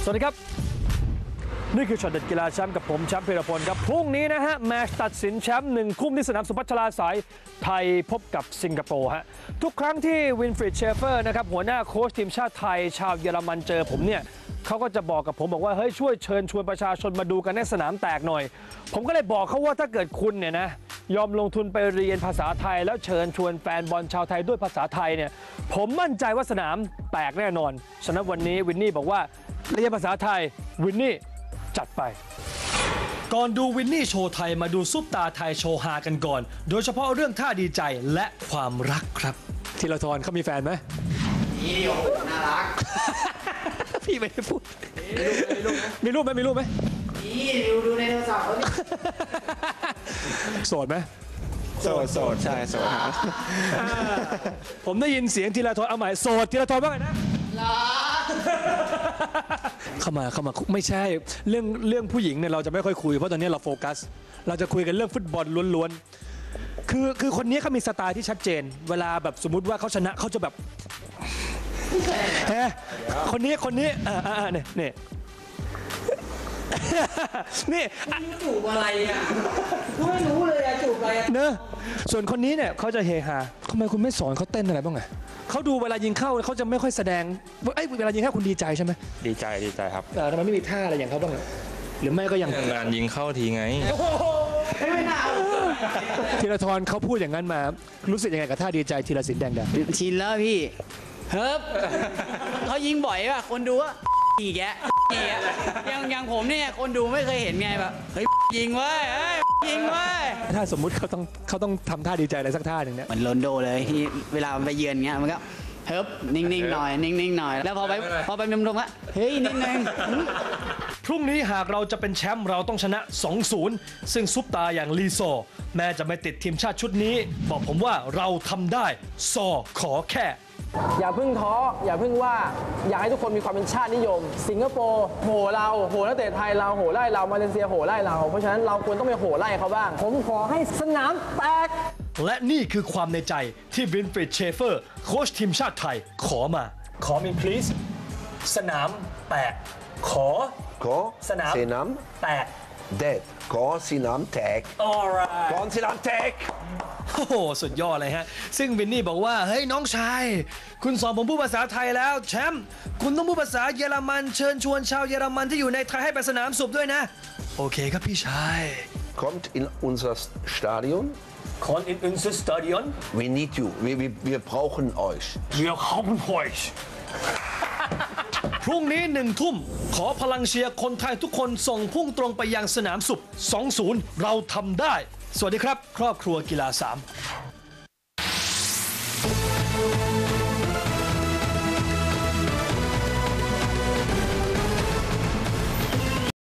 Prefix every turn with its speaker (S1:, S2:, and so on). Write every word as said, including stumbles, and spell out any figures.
S1: สวัสดีครับนี่คือช็อตเด็ดกีฬาแชมป์กับผมแชมป์พีรพลครับพรุ่งนี้นะฮะแมตช์ตัดสินแชมป์หนึ่งคุ้มที่สนามสุพัชราสายไทยพบกับสิงคโปร์ฮะทุกครั้งที่วินฟริดเชฟเฟอร์นะครับหัวหน้าโค้ชทีมชาติไทยชาวเยอรมันเจอผมเนี่ยเขาก็จะบอกกับผมบอกว่าเฮ้ยช่วยเชิญชวนประชาชนมาดูกันในสนามแตกหน่อยผมก็เลยบอกเขาว่าถ้าเกิดคุณเนี่ยนะยอมลงทุนไปเรียนภาษาไทยแล้วเชิญชวนแฟนบอลชาวไทยด้วยภาษาไทยเนี่ยผมมั่นใจว่าสนามแตกแน่นอนฉะนั้นวันนี้วินนี่บอกว่าเรียนภาษาไทยวินนี่จัดไปก่อนดูวินนี่โชว์ไทยมาดูซุปตาไทยโชว์ฮากันก่อนโดยเฉพาะเรื่องท่าดีใจและความรักครับธีรทรเขามีแฟนไหม
S2: นี่โอ้โหน่ารัก
S1: พี่ไม่ได้พูดมีรูปไหมมีรูปไหม
S2: นี่ดูดูในโทรศัพท์เขาดิ
S1: โสดไหม
S3: โสดโสดใช่โสดครับ
S1: ผมได้ยินเสียงธีรทรเอาใหม่โสดธีรทรว่าไงนะเข้ามาเข้ามาไม่ใช่เรื่องเรื่องผู้หญิงเนี่ยเราจะไม่ค่อยคุยเพราะตอนนี้เราโฟกัสเราจะคุยกันเรื่องฟุตบอลล้วนๆคือคือคนนี้เขามีสไตล์ที่ชัดเจนเวลาแบบสมมุติว่าเขาชนะเขาจะแบบเฮ้คนนี้คนนี้อ่าอ่าเนี่ยเนี่ยนี่
S2: จูบอะไรอ่ะไม่รู้เลยอ่ะจูบอะไร
S1: เนอะส่วนคนนี้เนี่ยเขาจะเฮฮาทำไมคุณไม่สอนเขาเต้นอะไรบ้างไงเขาดูเวลายิงเข้าเขาจะไม่ค่อยแสดงเอ้ยเวลายิงเข้าคุณดีใจใช่ไหม
S3: ดีใจดีใจครับ
S1: แต่ทำไมไม่มีท่าอะไรอย่างเขาบ้างหรือไม่ก็ยัง
S3: งานยิงเข้าทีไง
S2: ไม่น่า
S1: ธีรทรเขาพูดอย่างนั้นมารู้สึกยังไงกับท่าดีใจธีรศิลป์แดงดา
S2: ชินแล้วพี่เฮ้ยเขายิงบ่อยป่ะคนดูว่าอีกแกอย่างอย่างผมเนี่ยคนดูไม่เคยเห็นไงแบบเฮ้ยยิงเว้ยยิงเว้ย
S1: ถ้าสมมุติเขาต้องเขาต้องทำท่าดีใจอะไรสักท่าหนึ่งเนี่ย
S2: เหมือนโรนโดเลยที่เวลามันไปเยือนเงี้ยมันก็เฮ้ยนิ่งๆหน่อยนิ่งๆหน่อยแล้วพอไปพอไปมุมตรงละเฮ้ยนิ่ง
S1: ๆพรุ่งนี้หากเราจะเป็นแชมป์เราต้องชนะ สองศูนย์ ซึ่งซุปตาอย่างลีโซแม้จะไม่ติดทีมชาติชุดนี้บอกผมว่าเราทำได้ซอขอแค่
S4: อย่าเพิ่งท้ออย่าเพิ่งว่าอยากให้ทุกคนมีความเป็นชาตินิยมสิงคโปร์โหเราโหนักเตะไทยเราโหไล่เรามาเลเซียโหไล่เราเพราะฉะนั้นเราควรต้องไปโหไล่เขาบ้างผมขอให้สนามแตก
S1: และนี่คือความในใจที่วินฟริดเชฟเฟอร์โค้ชทีมชาติไทยขอมาขอมี please สนามแตกขอ
S5: ขอ
S1: สนาม
S5: สนาม
S1: แตก
S5: เด็ดขอสนามแตก
S1: alright
S5: ขอสนามแตก
S1: โอ้โหสุดยอดเลยฮะซึ่งวินนี่บอกว่าเฮ้ยน้องชายคุณสอนผมพูดภาษาไทยแล้วแชมป์คุณต้องพูดภาษาเยอรมันเชิญชวนชาวเยอรมันที่อยู่ในไทยให้ไปสนามสุบด้วยนะโอเคครับพี่ชาย
S5: Kommt in unser Stadion
S1: Kommt in unser Stadion
S5: We need you wir wir wir brauchen euch
S1: Wir brauchen euch พรุ่งนี้หนึ่งทุ่มขอพลังเชียร์คนไทยทุกคนส่งพุ่งตรงไปยังสนามสุบ สองศูนย์ เราทำได้สวัสดีครับครอบครัวกีฬาสาม